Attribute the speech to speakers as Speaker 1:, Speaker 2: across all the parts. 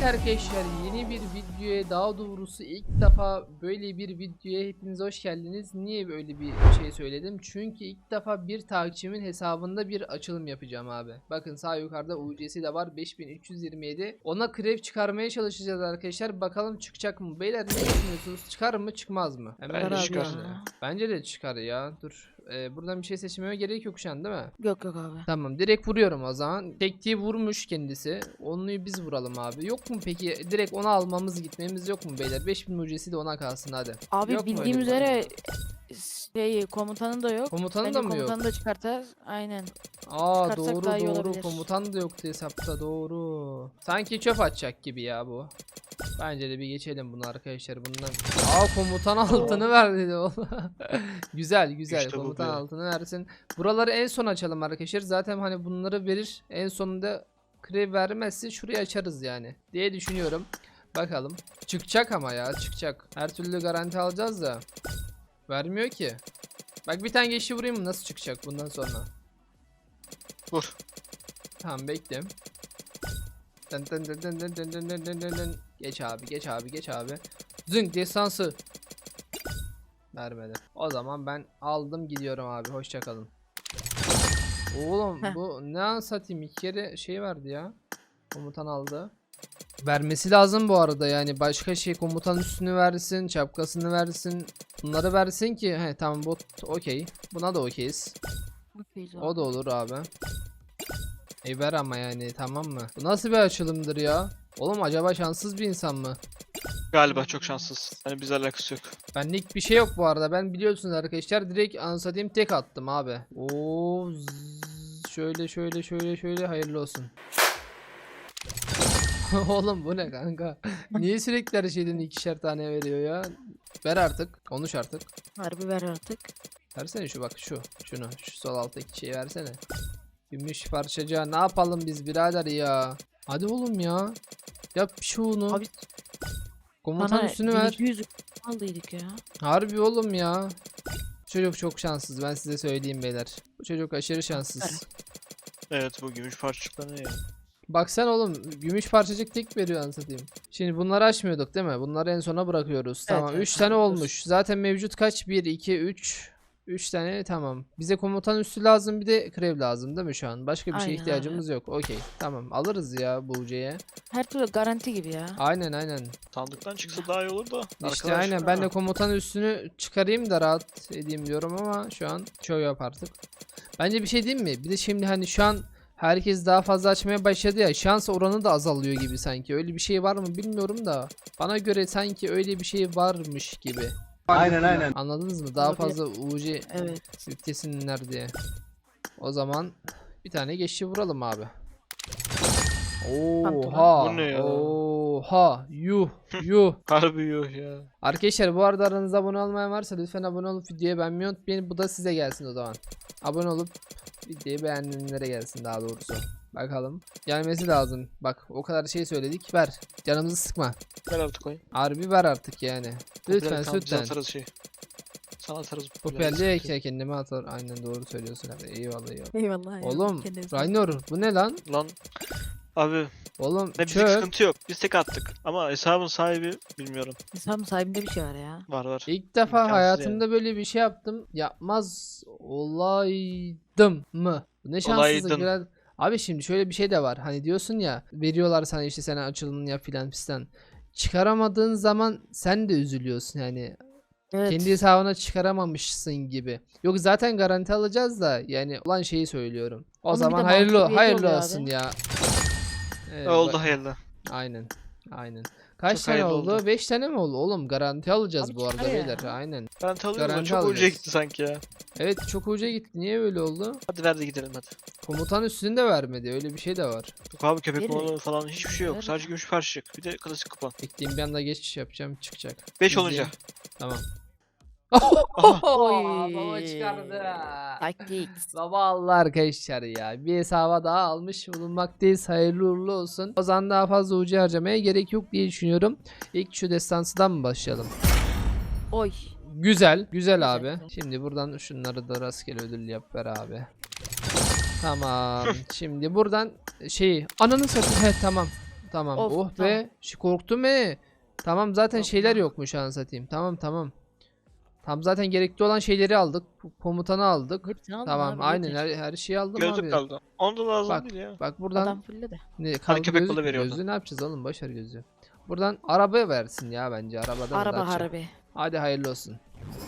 Speaker 1: arkadaşlar, yeni bir videoya, daha doğrusu ilk defa böyle bir videoya hepiniz hoş geldiniz. Niye böyle bir şey söyledim? Çünkü ilk defa bir takipçimin hesabında bir açılım yapacağım abi. Bakın sağ yukarıda UC'si de var, 5327. Ona krev çıkarmaya çalışacağız arkadaşlar. Bakalım çıkacak mı? Beyler ne düşünüyorsunuz? Çıkar mı çıkmaz mı?
Speaker 2: Bence çıkar.
Speaker 1: Bence de çıkar ya. Dur. Buradan bir şey seçmeme gerek yok şu an değil mi?
Speaker 2: Yok abi.
Speaker 1: Tamam, direkt vuruyorum o zaman. Tektiği vurmuş kendisi. Onluyu biz vuralım abi. Yok mu peki direkt onu almamız gitmemiz yok mu beyler? 5000 mucisi de ona kalsın hadi.
Speaker 2: Abi
Speaker 1: Yok mu
Speaker 2: bildiğim
Speaker 1: öyle bir
Speaker 2: üzere komutanın da yok.
Speaker 1: Komutanın
Speaker 2: Bence
Speaker 1: da mı yok?
Speaker 2: komutanı da çıkartar. Aynen.
Speaker 1: Aa
Speaker 2: Çıkarsak
Speaker 1: doğru
Speaker 2: daha iyi
Speaker 1: doğru,
Speaker 2: olabilir.
Speaker 1: komutan da yoktu hesapta, doğru. Sanki çöp atacak gibi ya bu. Bence de bir geçelim bunu arkadaşlar bundan. Aa komutan altını ver dedi oğlum. Güzel güzel,
Speaker 3: İşte bu
Speaker 1: komutan
Speaker 3: be.
Speaker 1: altını versin. Buraları en son açalım arkadaşlar. Zaten hani bunları verir. En sonunda krev vermezse şurayı açarız yani diye düşünüyorum. Bakalım. Çıkacak ama ya, çıkacak. Her türlü garanti alacağız da. Vermiyor ki. Bak bir tane geçi vurayım mı, nasıl çıkacak bundan sonra?
Speaker 3: Vur.
Speaker 1: Tamam bekle. Dın dın dın dın dın dın dın dın dın dın dın. Geç abi, geç abi, geç abi. Zınk destansı. Vermedi. O zaman ben aldım gidiyorum abi. Hoşça kalın. Oğlum
Speaker 2: Heh.
Speaker 1: bu ne an satayım, iki kere şey verdi ya. Komutan aldı. Vermesi lazım bu arada, yani başka şey, komutan üstünü versin, şapkasını versin. Bunları versin ki he tamam, bot okey. Buna da okeyiz. O da olur abi. Ver ama yani, tamam mı? Bu nasıl bir açılımdır ya? Oğlum acaba şanssız bir insan mı?
Speaker 3: Galiba çok şanssız. Hani bizle alakası yok.
Speaker 1: Benlik bir şey yok bu arada. Ben biliyorsunuz arkadaşlar direkt anlatayım, tek attım abi. Oo şöyle şöyle şöyle şöyle, hayırlı olsun. Oğlum bu ne kanka? Niye sürekli her şeyden ikişer tane veriyor ya? Ver artık. Konuş artık.
Speaker 2: Harbi ver artık.
Speaker 1: Versene şu, bak şunu. Şu sol alttaki şeyi versene. Gümüş parçacığa ne yapalım biz birader ya? Hadi oğlum ya. Yap şunu.
Speaker 2: Abi
Speaker 1: Komutan
Speaker 2: bana
Speaker 1: üstünü ver.
Speaker 2: 100 aldıydık ya.
Speaker 1: Harbi oğlum ya. Bu çocuk çok şanssız, ben size söyleyeyim beyler. Bu çocuk aşırı şanssız.
Speaker 3: Evet, bu gümüş parçacıklar ne ya?
Speaker 1: Baksana oğlum, gümüş parçacık tek veriyor anlatayım. Şimdi bunları açmıyorduk değil mi? Bunları en sona bırakıyoruz.
Speaker 2: Evet,
Speaker 1: Tamam,
Speaker 2: evet,
Speaker 1: 3 tane
Speaker 2: evet.
Speaker 1: olmuş. Zaten mevcut kaç? 1 2 3 3 tane, tamam. Bize komutan üstü lazım, bir de krev lazım değil mi şu an? Başka bir şeye
Speaker 2: Aynen
Speaker 1: ihtiyacımız yok. Okey. Tamam, alırız ya bu UC'ye.
Speaker 2: Her türlü garanti gibi ya.
Speaker 1: Aynen.
Speaker 3: Sandıktan çıksa daha iyi olur da.
Speaker 1: İşte
Speaker 3: Arkadaş,
Speaker 1: aynen, ben de
Speaker 3: ha.
Speaker 1: komutan üstünü çıkarayım da rahat edeyim diyorum ama şu an çoğu yap artık. Bence bir şey diyeyim mi? Bir de şimdi hani şu an herkes daha fazla açmaya başladı ya, şans oranı da azalıyor gibi sanki. Öyle bir şey var mı bilmiyorum da. Bana göre sanki öyle bir şey varmış gibi.
Speaker 4: Aynen.
Speaker 1: Anladınız mı? Daha
Speaker 2: Olabilir.
Speaker 1: fazla UC
Speaker 2: Evet.
Speaker 1: yüklesinler diye. O zaman bir tane geçişi vuralım abi. Oha.
Speaker 3: Bu ne ya?
Speaker 1: Oha. Yuh.
Speaker 3: Harbi yok ya.
Speaker 1: Arkadaşlar bu arada aranızda abone olmayan varsa lütfen abone olup videoyu beğenmeyi unutmayın. Bu da size gelsin o zaman. Abone olup videoyu beğenenlere gelsin daha doğrusu. Bakalım. Gelmesi lazım. Bak o kadar şey söyledik. Ver. Canımızı sıkma.
Speaker 3: Ver artık oyun.
Speaker 1: Harbi ver artık yani. Lütfen
Speaker 3: Biz
Speaker 1: lütfen.
Speaker 3: atarız şey. Sana atarız.
Speaker 1: Popülerliğe kendime atar. Aynen doğru söylüyorsun abi. Eyvallah.
Speaker 2: Eyvallah.
Speaker 1: Oğlum
Speaker 2: Kendinize-
Speaker 1: Raynor bu ne lan?
Speaker 3: Lan. Abi
Speaker 1: Oğlum
Speaker 3: ne bizlik
Speaker 1: çöp.
Speaker 3: sıkıntı yok. Biz tek attık. Ama hesabın sahibi bilmiyorum.
Speaker 2: İnsan sahibinde bir şey var ya.
Speaker 3: Var.
Speaker 1: İlk defa
Speaker 3: İmkansız
Speaker 1: hayatımda böyle bir şey yaptım. Yapmaz olaydım mı? Bu ne şanssızlık
Speaker 3: Olaydın.
Speaker 1: biraz. Abi şimdi şöyle bir şey de var. Hani diyorsun ya, veriyorlar sana işte, sen açılımını yap filan fistan. Çıkaramadığın zaman sen de üzülüyorsun yani.
Speaker 2: Evet.
Speaker 1: Kendi hesabına çıkaramamışsın gibi. Yok zaten garanti alacağız da yani, olan şeyi söylüyorum. O
Speaker 2: Onun bir
Speaker 1: zaman
Speaker 2: de
Speaker 1: hayırlı
Speaker 2: mantığı
Speaker 1: hayırlı
Speaker 2: oluyor
Speaker 1: olsun
Speaker 2: abi.
Speaker 1: ya. Evet,
Speaker 3: Oldu hayırlı.
Speaker 1: Aynen. Kaç
Speaker 3: Çok
Speaker 1: tane
Speaker 3: hayırlı
Speaker 1: oldu?
Speaker 3: oldu.
Speaker 1: 5 tane mi oldu? Oğlum garanti alacağız
Speaker 2: Abi
Speaker 1: bu arada
Speaker 2: çıkar ya.
Speaker 1: beyler. Aynen.
Speaker 3: Garanti alıyorum da
Speaker 1: Garanti
Speaker 3: çok ucuya
Speaker 1: alacağız.
Speaker 3: gitti sanki ya.
Speaker 1: Evet çok uca gitti. Niye öyle oldu?
Speaker 3: Hadi ver de gidelim hadi.
Speaker 1: Komutan üstünü de vermedi. Öyle bir şey de var.
Speaker 3: Yok abi, köpek
Speaker 2: Verir.
Speaker 3: balığı falan hiçbir şey yok.
Speaker 2: Verir.
Speaker 3: Sadece gümüş parçacık. Bir de klasik kupa.
Speaker 1: Bekleyeyim, bir anda geçiş yapacağım, çıkacak.
Speaker 3: 5
Speaker 1: İzleyin.
Speaker 3: olunca.
Speaker 1: Tamam.
Speaker 3: Aha.
Speaker 2: Oy.
Speaker 1: Baba çıkardı.
Speaker 2: Taktik.
Speaker 1: Baba Allah arkadaşlar ya. Bir hesaba daha almış bulunmaktayız. Hayırlı uğurlu olsun. O zaman daha fazla ucu harcamaya gerek yok diye düşünüyorum. İlk şu destansıdan mı başlayalım?
Speaker 2: Oy.
Speaker 1: Güzel. Güzel
Speaker 2: Güzel,
Speaker 1: abi.
Speaker 2: güzel.
Speaker 1: Şimdi buradan şunları da rastgele ödül yap ver abi. Tamam. Şimdi buradan ananı satayım. He tamam. Tamam.
Speaker 2: Of,
Speaker 1: Oh
Speaker 2: tamam.
Speaker 1: be. Korktum he. Tamam zaten
Speaker 2: Yok
Speaker 1: şeyler
Speaker 2: ya.
Speaker 1: yokmuş anasını satayım. Tamam. Tam zaten gerekli olan şeyleri aldık. Komutanı aldık.
Speaker 2: Hepsini aldım
Speaker 1: Tamam
Speaker 2: abi,
Speaker 1: aynen
Speaker 2: yeter.
Speaker 1: her şeyi aldım
Speaker 3: Gözlük
Speaker 1: abi.
Speaker 3: kaldı. Onda da lazım
Speaker 1: Bak
Speaker 3: değil ya.
Speaker 1: bak buradan
Speaker 2: Adam fulle de.
Speaker 1: ne
Speaker 3: Hani
Speaker 1: kaldı
Speaker 3: köpek
Speaker 1: gözlük
Speaker 3: balığı
Speaker 1: mü?
Speaker 3: veriyor
Speaker 1: Gözlüğü ne yapacağız oğlum boş ver gözlüğü. Buradan araba versin ya bence arabadan
Speaker 2: Araba
Speaker 1: daha çok.
Speaker 2: harbi.
Speaker 1: Hadi hayırlı olsun.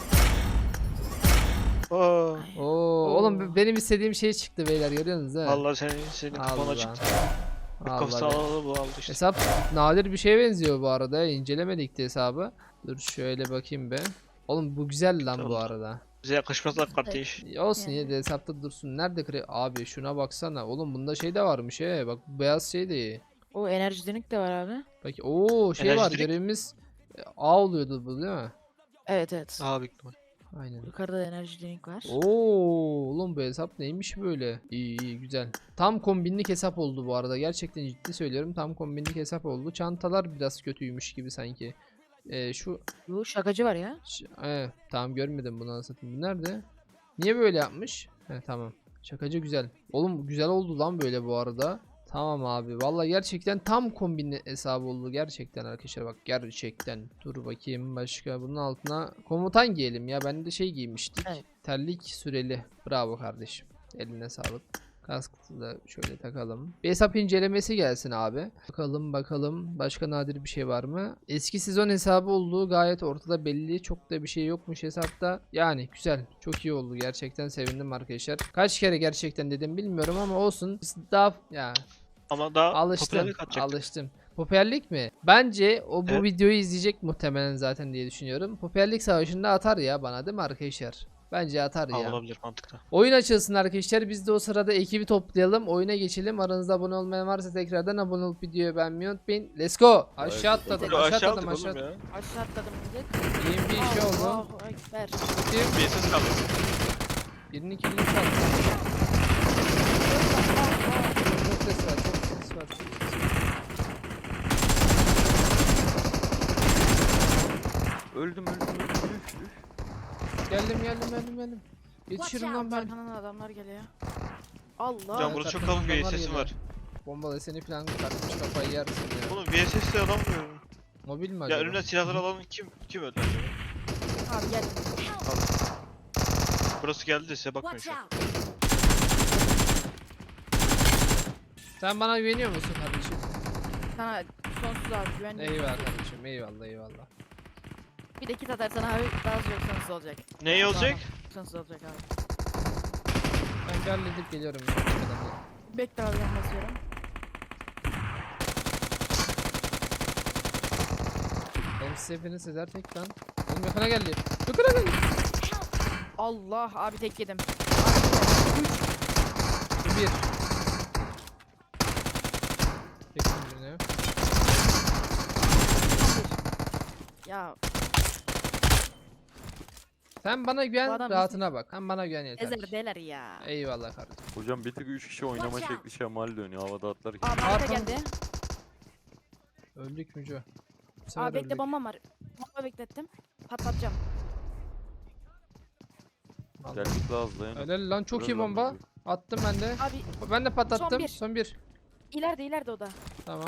Speaker 3: Oo.
Speaker 1: Oo, oğlum benim istediğim şey çıktı beyler görüyorsunuz ha.
Speaker 3: Vallahi senin kupona
Speaker 1: Allah.
Speaker 3: çıktı.
Speaker 1: Allah
Speaker 3: Kafası
Speaker 1: be.
Speaker 3: alalı bu aldı işte.
Speaker 1: Hesap nadir bir şeye benziyor bu arada. İncelemedik de hesabı. Dur şöyle bakayım be. Oğlum bu güzel lan bu
Speaker 3: Tamam.
Speaker 1: arada.
Speaker 3: Bize yakışmazlar kardeş.
Speaker 1: Olsun
Speaker 2: Yani.
Speaker 1: yine de hesapta dursun. Nerede abi şuna baksana. Oğlum bunda şey de varmış he. Bak bu beyaz şey de iyi.
Speaker 2: O enerji drink de var abi.
Speaker 1: Bak o şey
Speaker 3: Enerji
Speaker 1: var
Speaker 3: drink.
Speaker 1: görevimiz A oluyordu bu değil mi?
Speaker 2: Evet.
Speaker 3: Aha büyük ihtimal.
Speaker 1: Aynen.
Speaker 2: Yukarıda da enerji drink var.
Speaker 1: Oo, oğlum bu hesap neymiş böyle? İyi güzel. Tam kombinlik hesap oldu bu arada. Gerçekten ciddi söylüyorum. Tam kombinlik hesap oldu. Çantalar biraz kötüymüş gibi sanki. Şu
Speaker 2: Yo, şakacı var ya.
Speaker 1: tamam görmedim bunu anlatayım. Bu nerede? Niye böyle yapmış? Tamam. Şakacı güzel. Oğlum güzel oldu lan böyle bu arada. Tamam abi. Vallahi gerçekten tam kombinli hesabı oldu. Gerçekten arkadaşlar bak gerçekten. Dur bakayım başka bunun altına komutan giyelim ya. Ben de şey giymiştik.
Speaker 2: Evet.
Speaker 1: Terlik süreli. Bravo kardeşim. Eline sağlık. Kaskı da şöyle takalım. Bir hesap incelemesi gelsin abi. Bakalım başka nadir bir şey var mı? Eski sezon hesabı olduğu gayet ortada belli. Çok da bir şey yokmuş hesapta. Yani güzel. Çok iyi oldu. Gerçekten sevindim arkadaşlar. Kaç kere gerçekten dedim bilmiyorum ama olsun. Biz daha ya
Speaker 3: Ama daha
Speaker 1: alıştım.
Speaker 3: popülerlik atacak.
Speaker 1: Alıştım. Popülerlik mi? Bence o bu
Speaker 3: Evet.
Speaker 1: videoyu izleyecek muhtemelen zaten diye düşünüyorum. Popülerlik savaşında atar ya bana değil mi arkadaşlar? Bence atar
Speaker 3: Ha,
Speaker 1: ya.
Speaker 3: olabilir mantıklı.
Speaker 1: Oyun açılsın arkadaşlar. Biz de o sırada ekibi toplayalım. Oyuna geçelim. Aranızda abone olmayan varsa tekrardan abone olup videoyu beğenmeyi unutmayın. Let's go. Aşağı atladım.
Speaker 3: Aşağı
Speaker 1: Aşağı
Speaker 3: aldık
Speaker 1: atladım.
Speaker 3: oğlum
Speaker 1: Aşağı
Speaker 3: ya.
Speaker 2: Aşağı atladım millet.
Speaker 1: İyiyim bir şey oldu.
Speaker 2: Allahu Ekber.
Speaker 3: Bir ses kaldı.
Speaker 1: Birinin kilini çaldı. Çok ses var. Çok ses var.
Speaker 4: Öldüm.
Speaker 1: Geldim. Yetişirim lan ben.
Speaker 2: Arkadan adamlar geliyor. Allah.
Speaker 3: Can
Speaker 1: Evet,
Speaker 3: burada çok
Speaker 1: arkamdan
Speaker 3: kalın bir
Speaker 1: adamlar
Speaker 3: sesim
Speaker 1: geliyor.
Speaker 3: var.
Speaker 1: Bombalı seni falan kartmış kafayı yersin ya.
Speaker 3: Oğlum VSS'de alamıyorum.
Speaker 1: Mobil mi
Speaker 3: Ya
Speaker 1: acaba?
Speaker 3: önümden silahları alan kim öldü acaba?
Speaker 2: Abi gel.
Speaker 3: Burası geldi de size bakmıyor şu an.
Speaker 1: Sen bana güveniyor musun kardeşim?
Speaker 2: Sana sonsuz abi güvenli.
Speaker 1: Eyvallah kardeşim. Eyvallah.
Speaker 2: Bir de kit atarsan abi daha çok sonsuz olacak.
Speaker 3: Ne olacak?
Speaker 2: Sonsuz olacak abi.
Speaker 1: Ben bir halledip geliyorum.
Speaker 2: Bekle abi ben basıyorum.
Speaker 1: Oğlum siz hepiniz Sezer tek lan. Oğlum yakına geldi.
Speaker 2: Allah abi tek yedim.
Speaker 1: Bir. Çektim birini.
Speaker 2: Ya
Speaker 1: Sen bana güven
Speaker 2: Bu adam
Speaker 1: rahatına bak. Sen bana güven yeter.
Speaker 2: ezer deler ya.
Speaker 1: Eyvallah kardeşim.
Speaker 4: Hocam bir tık 3 kişi oynama şekli şemal dönüyor havada atlarken.
Speaker 2: Abi arka
Speaker 1: Arkamda-
Speaker 2: geldi.
Speaker 1: Öldük mücü. Bu sefer
Speaker 2: Abi bekle
Speaker 1: öldük.
Speaker 2: bombam var. Bomba beklettim. Patlatacağım.
Speaker 1: Allah.
Speaker 4: Geldik daha hızlı yani.
Speaker 1: Helal lan çok iyi
Speaker 4: Helal lan
Speaker 1: bomba.
Speaker 4: bizi.
Speaker 1: Attım ben de.
Speaker 2: Abi
Speaker 1: Ben de patlattım.
Speaker 2: bir.
Speaker 1: Son bir.
Speaker 2: ileride o da.
Speaker 1: Tamam.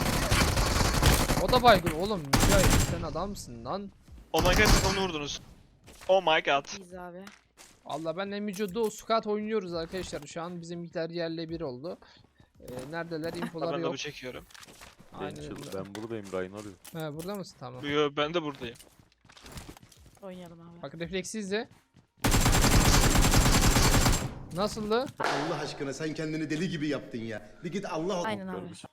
Speaker 1: O da baygın oğlum. Mücahit sen adamsın lan.
Speaker 3: Oh my god onu vurdunuz. Oh my god.
Speaker 2: İyiyiz abi.
Speaker 1: Allah ben Emico'da squat oynuyoruz arkadaşlar. Şu an bizimkiler yerle bir oldu. Neredeler? İnfolar
Speaker 3: Ben de
Speaker 1: yok.
Speaker 3: bu çekiyorum.
Speaker 1: Aynen öyle.
Speaker 4: Ben buradayım Ryan arıyor.
Speaker 1: He burada mısın? Tamam.
Speaker 3: Yo ben de buradayım.
Speaker 2: Oynayalım abi.
Speaker 1: Bak refleksi izle. Nasıldı?
Speaker 5: Allah aşkına sen kendini deli gibi yaptın ya. Bir git Allah
Speaker 2: Aynen abi.
Speaker 4: Görmüş.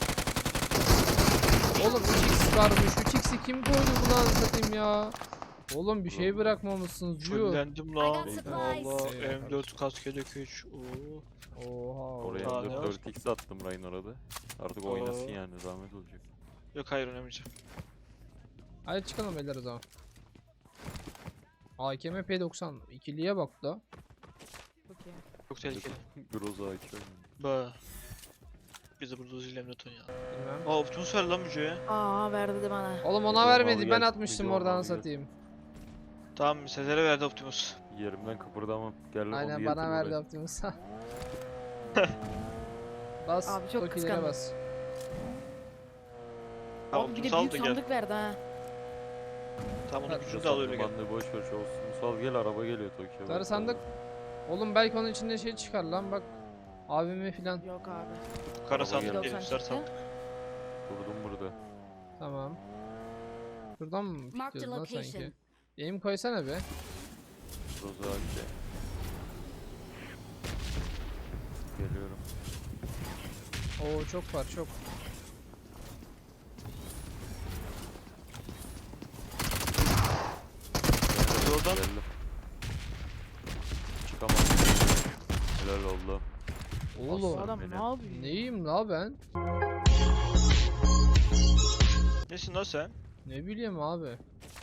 Speaker 1: Oğlum 3x varmış. 3x'i kim koydu buna anlatayım ya? Oğlum bir şey bırakmamışsınız diyor.
Speaker 3: Fullendim lan.
Speaker 6: I got supplies.
Speaker 3: Allah
Speaker 1: Eyvallah.
Speaker 3: M4 kask yedek 3. Oo.
Speaker 1: Oha.
Speaker 4: Oraya
Speaker 3: Daha ne
Speaker 4: da
Speaker 3: var?
Speaker 4: 4x attım Ryan orada. Artık oynasın
Speaker 3: Oo.
Speaker 4: yani zahmet olacak.
Speaker 3: Yok hayır oynamayacağım.
Speaker 1: Hadi çıkalım beyler o zaman. AKM P90 ikiliye bak da.
Speaker 2: Çok iyi.
Speaker 3: Çok tehlikeli.
Speaker 4: Groza AK oynuyor.
Speaker 3: Ba. Biz de burada uzun emniyet ya.
Speaker 1: Bilmem.
Speaker 3: Aa Optimus ver lan Müce'ye.
Speaker 2: Aa verdi de bana.
Speaker 1: Oğlum ona
Speaker 4: Video
Speaker 1: vermedi.
Speaker 4: al
Speaker 1: Ben
Speaker 4: gel,
Speaker 1: atmıştım
Speaker 4: video
Speaker 1: oradan
Speaker 4: al gel.
Speaker 1: satayım.
Speaker 3: Tamam Sezer'e verdi Optimus.
Speaker 4: Yerimden kıpırdamam. Gel onu
Speaker 1: Aynen
Speaker 4: getir
Speaker 1: bana verdi
Speaker 4: buraya.
Speaker 1: Optimus'a. Bas.
Speaker 2: Abi çok
Speaker 1: Tokilere
Speaker 2: kıskandım.
Speaker 1: bas.
Speaker 3: Tamam
Speaker 2: Abi bir de
Speaker 3: sal
Speaker 2: büyük
Speaker 3: da gel.
Speaker 2: sandık verdi ha.
Speaker 3: Tamam onun
Speaker 1: Hadi.
Speaker 3: gücünü de al öyle gel.
Speaker 4: Bandı boş ver şu olsun. Sal gel araba geliyor Tokyo.
Speaker 1: Sarı sandık. Oğlum belki onun içinde şey çıkar lan bak. AVM filan.
Speaker 2: Yok abi.
Speaker 3: Kara
Speaker 4: Araba
Speaker 3: sandık
Speaker 4: geliyor.
Speaker 3: değil, sarı sandık.
Speaker 4: Durdum burada.
Speaker 1: Tamam. Şuradan mı
Speaker 6: Marked a
Speaker 1: pikliyoruz lan sanki?
Speaker 6: location.
Speaker 1: Aim koysana be.
Speaker 4: Rozaki. Geliyorum.
Speaker 1: Oo çok var çok.
Speaker 3: Yoldan.
Speaker 4: Geldim. Çıkamam. Helal oldu.
Speaker 1: Oğlum.
Speaker 2: Adam
Speaker 4: beni.
Speaker 2: ne yapıyor?
Speaker 1: Neyim la ben?
Speaker 3: Nesin lan sen?
Speaker 1: Ne bileyim abi.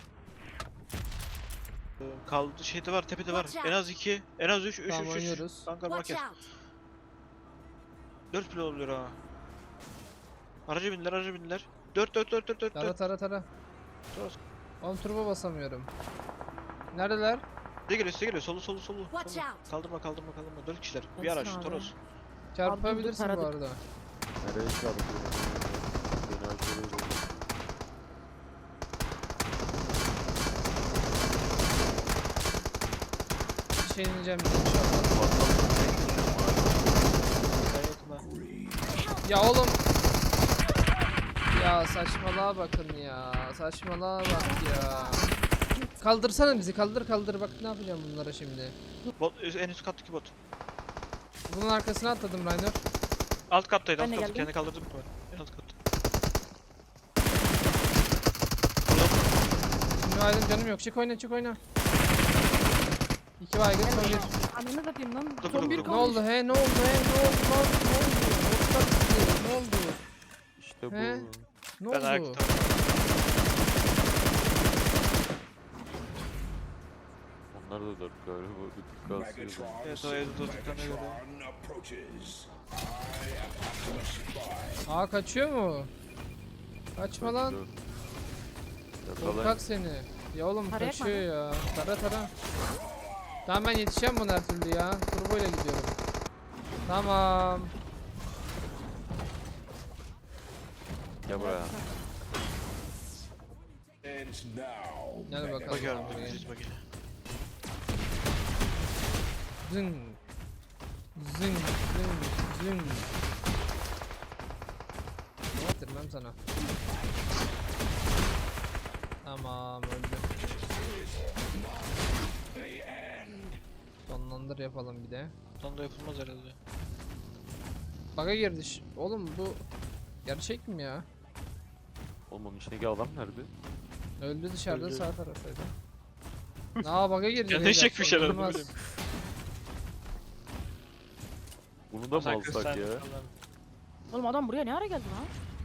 Speaker 3: Kaldı şeyde var tepede var.
Speaker 6: Watch
Speaker 3: En az 2, en az 3, 3,
Speaker 1: Tamam
Speaker 3: 3, 3.
Speaker 1: oynuyoruz.
Speaker 3: Kanka
Speaker 6: Watch
Speaker 3: market.
Speaker 6: out.
Speaker 3: 4 bile oluyor ha. Araca bindiler, araca bindiler. 4, 4, 4, 4, 4,
Speaker 1: Tara
Speaker 3: 4.
Speaker 1: tara tara.
Speaker 3: Toros.
Speaker 1: Oğlum turbo basamıyorum. Neredeler?
Speaker 3: Size geliyor, size geliyor. Solu, solu, solu.
Speaker 6: Watch
Speaker 3: Solu.
Speaker 6: out.
Speaker 3: Kaldırma, kaldırma, kaldırma. 4 kişiler. Bir
Speaker 2: Gelsin
Speaker 3: araç,
Speaker 2: abi.
Speaker 3: Toros.
Speaker 1: Çarpabilirsin bu
Speaker 2: taradık.
Speaker 1: arada.
Speaker 4: Nereye çarpıyor? Beni aşağıya doğru.
Speaker 1: Bir şey ineceğim inşallah.
Speaker 3: Ben yokum ha.
Speaker 1: Ya oğlum. Ya saçmalığa bakın ya. Saçmalığa bak ya. Kaldırsana bizi kaldır kaldır bak ne yapacağım bunlara şimdi.
Speaker 3: Bot, en üst kattaki bot.
Speaker 1: Bunun arkasına atladım Rainer.
Speaker 3: Alt kattaydı,
Speaker 2: Ben
Speaker 3: alt
Speaker 2: de
Speaker 3: katta.
Speaker 2: geldim.
Speaker 3: Kendi kaldırdım mı? En alt katta.
Speaker 1: Şimdi aydın canım yok. Çık oyna çık oyna. 2 baygın son bir.
Speaker 2: Ananı satayım lan.
Speaker 3: Dur,
Speaker 2: Son
Speaker 3: dur,
Speaker 2: bir
Speaker 3: dur.
Speaker 1: Ne
Speaker 2: kalmış.
Speaker 1: oldu he ne oldu he ne oldu ne oldu ne oldu? Botlar gitti, ne oldu?
Speaker 4: İşte bu.
Speaker 1: He? Ne
Speaker 3: Ben
Speaker 1: oldu?
Speaker 3: ayakta.
Speaker 4: Onlar da 4 galiba. Bir tık kasıyor.
Speaker 3: Evet o evde durduklarına göre.
Speaker 1: Aa kaçıyor mu? Kaçma lan.
Speaker 4: Yakalayın.
Speaker 1: Korkak seni. Ya oğlum
Speaker 2: Tarayak mı
Speaker 1: kaçıyor ya. Tara tara. Tamam ben yetişeceğim buna her türlü ya. Turbo ile gidiyorum. Tamam.
Speaker 4: Gel buraya.
Speaker 1: Gel bakalım.
Speaker 3: Bakıyorum,
Speaker 1: buraya.
Speaker 3: düz bakayım.
Speaker 1: Zın. Zın zın zın. Ne yaptırmam sana? Tamam öldü. Sonlandır yapalım bir de.
Speaker 3: Ondan da yapılmaz herhalde.
Speaker 1: Bug'a girdi. Oğlum bu gerçek mi ya?
Speaker 4: Oğlum onun içindeki adam nerede?
Speaker 1: Öldü dışarıda
Speaker 3: Öldü.
Speaker 1: sağ taraftaydı. Aa bug'a girdi.
Speaker 3: Ya ne
Speaker 1: beyler,
Speaker 3: çekmiş herhalde,
Speaker 1: sorulmaz.
Speaker 3: bilmiyorum.
Speaker 4: Bunu da mı
Speaker 3: Sen
Speaker 4: alsak
Speaker 3: kız, sen
Speaker 4: ya?
Speaker 3: falan.
Speaker 2: Oğlum adam buraya ne ara geldi lan?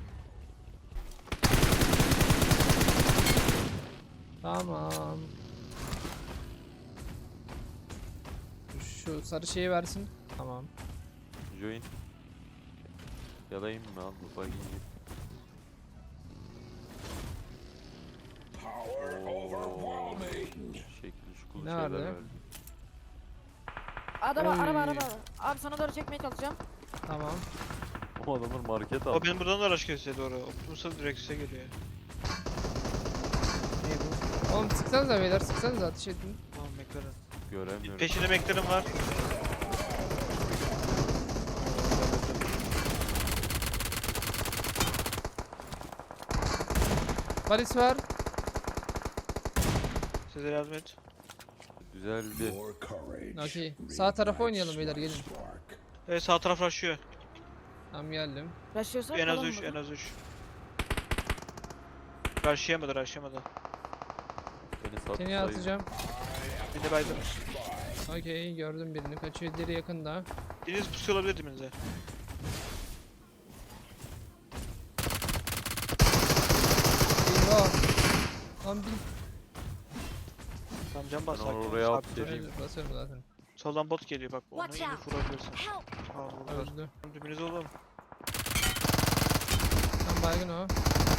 Speaker 1: Tamam. Şu sarı şeyi versin. Tamam.
Speaker 4: Join. Yalayım mı al bu bakayım. Şekil şukul
Speaker 1: Ne
Speaker 4: şeyler
Speaker 1: vardı?
Speaker 4: verdi.
Speaker 2: Araba
Speaker 1: Oy.
Speaker 2: araba. Abi sana doğru çekmeye çalışacağım.
Speaker 1: Tamam.
Speaker 4: O adamlar market
Speaker 3: O
Speaker 4: aldı.
Speaker 3: benim buradan da araç kesiyor doğru. Optimus'a direkt size geliyor.
Speaker 1: Ne bu? Oğlum sıksanıza beyler sıksanıza ateş edin.
Speaker 3: Tamam McLaren.
Speaker 4: Göremiyorum.
Speaker 3: Peşinde McLaren var.
Speaker 1: Paris var.
Speaker 3: Size yardım et.
Speaker 4: Güzeldi.
Speaker 1: Okey. Sağ tarafa oynayalım beyler gelin.
Speaker 3: Evet sağ taraf rushlıyor.
Speaker 1: Tamam geldim.
Speaker 2: Başlıyorsak
Speaker 3: En az
Speaker 2: kalalım
Speaker 3: 3,
Speaker 2: burada.
Speaker 3: en az 3. Rushlayamadı, rushlayamadı.
Speaker 4: Beni sat
Speaker 1: Seni atacağım.
Speaker 3: Bir de baydım.
Speaker 1: Okey gördüm birini. Kaçıyor diğeri yakında.
Speaker 3: Biriniz pusuyor olabilir dibinize.
Speaker 1: Eyvah. Lan bir.
Speaker 3: Tamam can bas.
Speaker 4: Ben
Speaker 3: sakin ol,
Speaker 4: oraya
Speaker 3: sakin
Speaker 4: at
Speaker 3: ol.
Speaker 4: dedim.
Speaker 1: Evet, basıyorum zaten.
Speaker 3: Soldan bot geliyor bak. Onu
Speaker 6: Watch
Speaker 3: iyi
Speaker 6: out.
Speaker 3: vurabilirsin.
Speaker 6: Help.
Speaker 3: Tamam vurdular.
Speaker 1: Öldü.
Speaker 3: Dibinize oğlum.
Speaker 1: Tamam baygın o.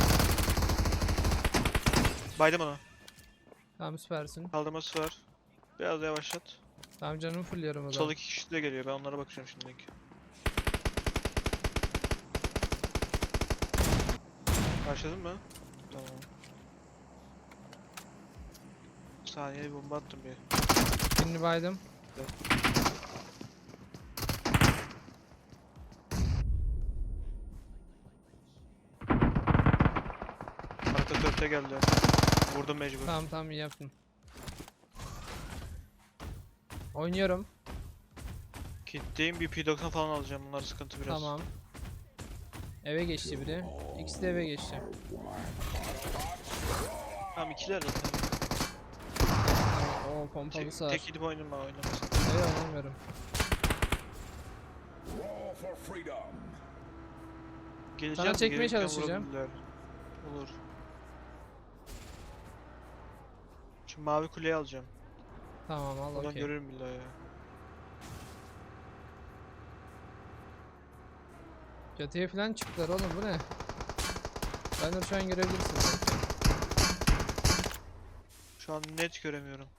Speaker 3: Baydım onu.
Speaker 1: Tamam süpersin.
Speaker 3: Kaldırması var. Biraz yavaşlat.
Speaker 1: Tamam canımı fulluyorum o
Speaker 3: Sol
Speaker 1: zaman.
Speaker 3: iki kişi de geliyor. Ben onlara bakacağım şimdilik. Başladın mı? Tamam. Saniye bir bomba attım bir.
Speaker 1: Birini baydım.
Speaker 3: Arka köfte geldi. Vurdum mecbur.
Speaker 1: Tamam iyi yaptın. Oynuyorum.
Speaker 3: Kitleyim bir P90 falan alacağım. Bunlar sıkıntı biraz.
Speaker 1: Tamam. Eve geçti biri. İkisi de eve geçti.
Speaker 3: Tamam ikiler de.
Speaker 1: Tamam. Oo pompalısı var.
Speaker 3: Tek gidip oynama oynamasın.
Speaker 1: Hayır oynamıyorum.
Speaker 3: Geleceğim
Speaker 1: Sana
Speaker 3: de
Speaker 1: çekmeye
Speaker 3: gelirken
Speaker 1: çalışacağım.
Speaker 3: vurabilirler. Olur. Şu mavi kuleyi alacağım.
Speaker 1: Tamam al
Speaker 3: Oradan
Speaker 1: okey.
Speaker 3: görürüm billahi ya.
Speaker 1: Çatıya falan çıktılar oğlum bu ne? Ben de şu an görebilirsin.
Speaker 3: Şu an net göremiyorum.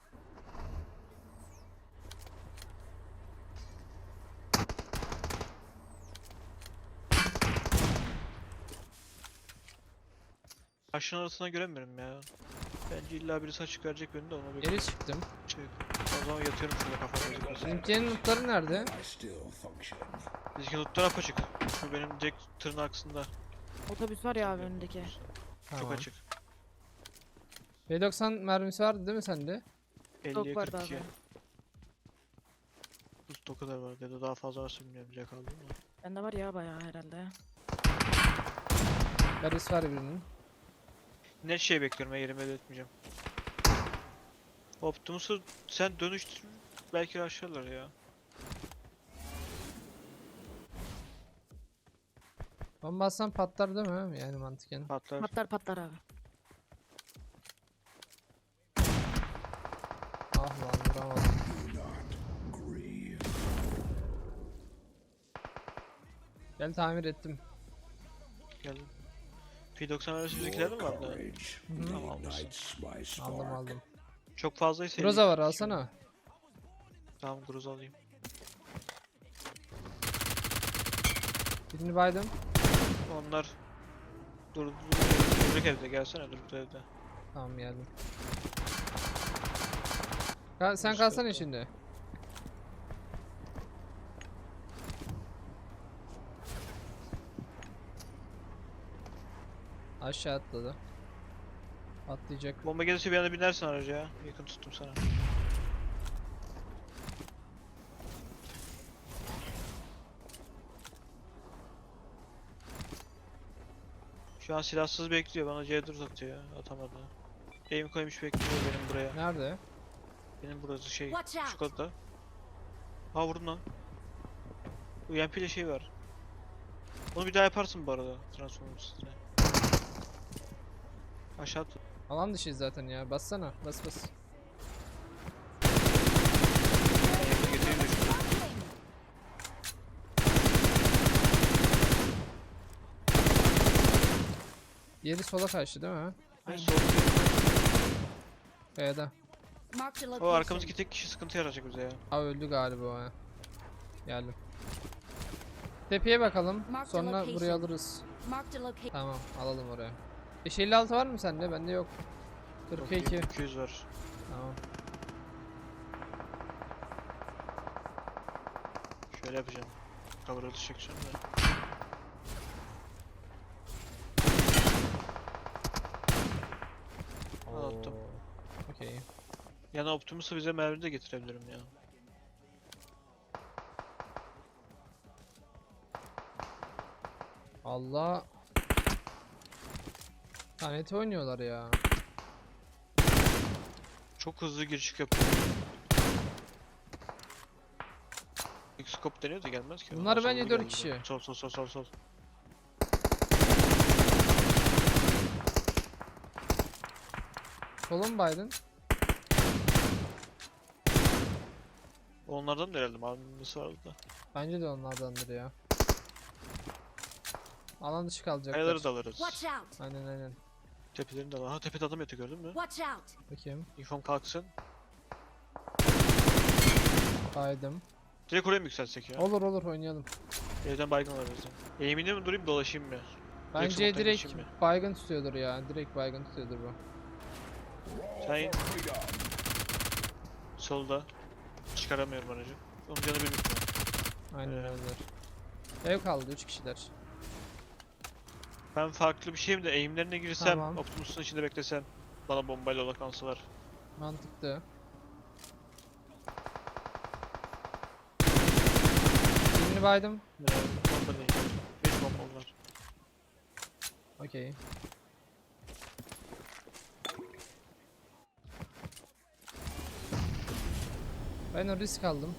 Speaker 3: Taşın arasına göremiyorum ya. Bence illa birisi açık verecek beni de ona bir
Speaker 1: Geri çıktım.
Speaker 3: şey. O zaman yatıyorum şurada kafama gözükmesin.
Speaker 1: Bizimkinin lootları nerede?
Speaker 3: Bizimki lootlar apaçık. Şu benim direkt tırın arkasında.
Speaker 2: Otobüs var ya abi önündeki.
Speaker 3: Çok
Speaker 1: Tamam.
Speaker 3: açık.
Speaker 1: P90 mermisi vardı değil mi sende?
Speaker 3: 50'ye
Speaker 2: Çok vardı
Speaker 3: 42.
Speaker 2: abi.
Speaker 3: Loot o kadar var ya da daha fazla varsa bilmiyorum. Direkt aldım mı?
Speaker 2: Bende var ya bayağı herhalde.
Speaker 1: Garis var birinin.
Speaker 3: Net şey bekliyorum ya yerimi belirtmeyeceğim. Optimus'u sen dönüştür belki aşağılar ya.
Speaker 1: Bomba atsan patlar değil mi? Yani mantıken.
Speaker 3: Patlar.
Speaker 2: Patlar abi.
Speaker 1: Ah lan vuramadım. Gel tamir ettim.
Speaker 3: Geldim. P90 arası bizimkiler mi vardı?
Speaker 1: Hı hı.
Speaker 3: Tamam almışsın.
Speaker 1: Aldım.
Speaker 3: Çok fazlaysa
Speaker 1: Groza
Speaker 3: 50
Speaker 1: var alsana.
Speaker 3: Tamam Groza alayım.
Speaker 1: Birini baydım.
Speaker 3: Onlar Duruk evde gelsene Duruk evde.
Speaker 1: Tamam geldim. Sen
Speaker 3: Hoş
Speaker 1: kalsana
Speaker 3: geldin.
Speaker 1: şimdi. Aşağı atladı. Atlayacak.
Speaker 3: Bomba gelirse bir anda binersin araca ya. Yakın tuttum sana. Şu an silahsız bekliyor. Bana C4 atıyor ya. Atamadı. Aim koymuş bekliyor benim buraya.
Speaker 1: Nerede?
Speaker 3: Benim burası şey.
Speaker 2: Watch out.
Speaker 3: Şu kodda. Ha vurdum lan. UMP ile şey var. Onu bir daha yaparsın bu arada. Transformers üstüne. Aşağı at.
Speaker 1: Alan dışı zaten ya. Bassana. Bas.
Speaker 3: Yakın getireyim de şurada.
Speaker 1: Diğeri sola kaçtı değil mi?
Speaker 3: Ben
Speaker 2: Aynen.
Speaker 3: sol-
Speaker 1: Kayada.
Speaker 2: Marked a
Speaker 3: O
Speaker 2: location.
Speaker 3: arkamızdaki tek kişi sıkıntı yaratacak bize ya.
Speaker 1: Aa öldü galiba o ha. Geldim. Tepeye bakalım.
Speaker 2: Mark the
Speaker 1: Sonra
Speaker 2: location.
Speaker 1: buraya alırız.
Speaker 2: Marked a location.
Speaker 1: Tamam alalım oraya. 556 var mı sende? Bende yok. 42.
Speaker 3: 200 var.
Speaker 1: Tamam.
Speaker 3: Şöyle yapacağım. Cover atış çekeceğim de. Anlattım.
Speaker 1: Oo, okey.
Speaker 3: Yani Optimus'u bize mermi de getirebilirim ya.
Speaker 1: Allah. Taneti oynuyorlar ya.
Speaker 3: Çok hızlı giriş çık yapıyor. X-Scope deniyor da gelmez ki.
Speaker 1: Bunlar
Speaker 3: Aa,
Speaker 1: bence
Speaker 3: solda
Speaker 1: 4
Speaker 3: geldi.
Speaker 1: kişi.
Speaker 3: Sol.
Speaker 1: Solun Biden.
Speaker 3: Onlardan da herhalde mavimisi vardı da.
Speaker 1: Bence de onlardandır ya. Alan dışı kalacaklar.
Speaker 3: Kayaları da alırız.
Speaker 2: Watch out.
Speaker 1: Aynen.
Speaker 3: Tepelerini de alırız. Ha tepede adam yatıyor gördün mü?
Speaker 2: Watch out.
Speaker 1: Bakayım.
Speaker 3: İnfom kalksın.
Speaker 1: Baydım.
Speaker 3: Direkt oraya mı yükselsek ya?
Speaker 1: Olur oynayalım.
Speaker 3: Evden baygın alırız. Eğimini mi durayım dolaşayım mı?
Speaker 1: Bence
Speaker 3: smoke'tan
Speaker 1: direkt
Speaker 3: geçeyim mi?
Speaker 1: baygın tutuyordur ya. Direkt baygın tutuyordur bu.
Speaker 3: Sen in. Solda. Çıkaramıyorum aracı. Onun canı bir bitmiyor.
Speaker 1: Aynen
Speaker 3: Evet.
Speaker 1: öyledir. Ev kaldı 3 kişiler.
Speaker 3: Ben farklı bir şeyim de eğimlerine girsem,
Speaker 1: Tamam.
Speaker 3: Optimus'un içinde beklesem bana bombayla odaklansılar.
Speaker 1: Mantıklı. Birini baydım.
Speaker 3: Bomba değil. Bir bomba var.
Speaker 1: Okey. Ben o risk aldım.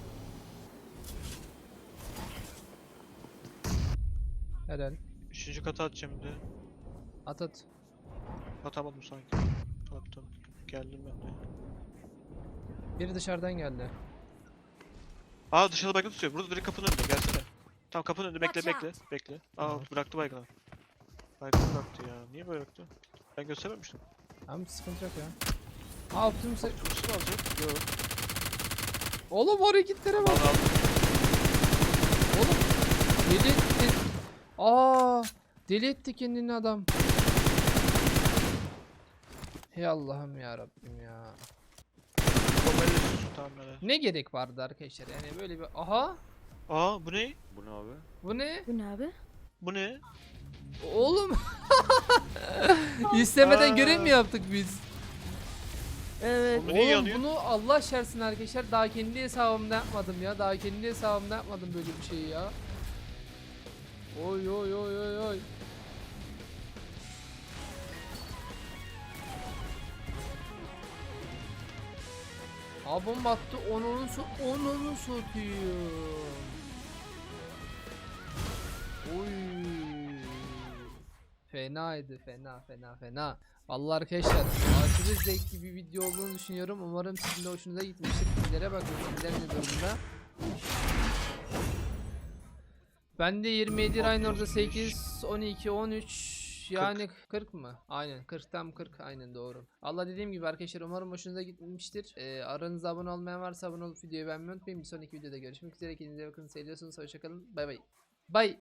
Speaker 1: Helal.
Speaker 3: Üçüncü kata atacağım bir de.
Speaker 1: At at.
Speaker 3: Atamadım sanki. Attım. Geldim ben de.
Speaker 1: Biri dışarıdan geldi.
Speaker 3: Aa dışarıda baygın tutuyor. Burada direkt kapının önünde. Gelsene. Tamam kapının önünde bekle
Speaker 2: Watch
Speaker 3: bekle. Bekle. Aa
Speaker 1: Tamam.
Speaker 3: bıraktı baygını. Baygını bıraktı ya. Niye böyle bıraktı? Ben göstermemiştim.
Speaker 1: Tamam sıkıntı yok ya. Aa Optimus'a...
Speaker 3: Optimus'u mu alacak? Yok.
Speaker 1: Oğlum o hareketlere bak.
Speaker 3: Al al.
Speaker 1: Oğlum deli etti. Aa deli etti kendini adam. Hey Allah'ım ya Rabbim ya.
Speaker 3: Bombayla üstüsün tamam hele.
Speaker 1: Ne gerek vardı arkadaşlar yani böyle bir aha
Speaker 3: Aa bu ne?
Speaker 4: Bu ne abi?
Speaker 1: bu ne?
Speaker 2: Bu ne abi?
Speaker 3: Bu ne?
Speaker 1: Oğlum istemeden
Speaker 3: Aa.
Speaker 1: görev mi yaptık biz?
Speaker 2: Evet.
Speaker 3: Bu niye
Speaker 1: Oğlum
Speaker 3: yanıyor?
Speaker 1: bunu Allah şersin arkadaşlar daha kendi hesabımda yapmadım ya. Daha kendi hesabımda yapmadım böyle bir şeyi ya. Oy oy oy oy oy. Aa bomba attı onunu satıyor. Oy. Fenaydı fena. Vallahi arkadaşlar aşırı zevkli bir video olduğunu düşünüyorum. Umarım sizin de hoşunuza gitmiştir. Sizlere bakın sizler ne durumda. Ben de 27 Ryan orada 8, 12, 13 yani 40 mı? Aynen 40 tam 40 aynen doğru. Allah dediğim gibi arkadaşlar umarım hoşunuza gitmiştir. Aranızda abone olmayan varsa abone olup videoyu beğenmeyi unutmayın. Bir sonraki videoda görüşmek üzere. Kendinize bakın. Seviyorsunuz. Hoşçakalın. Bay bay. Bay.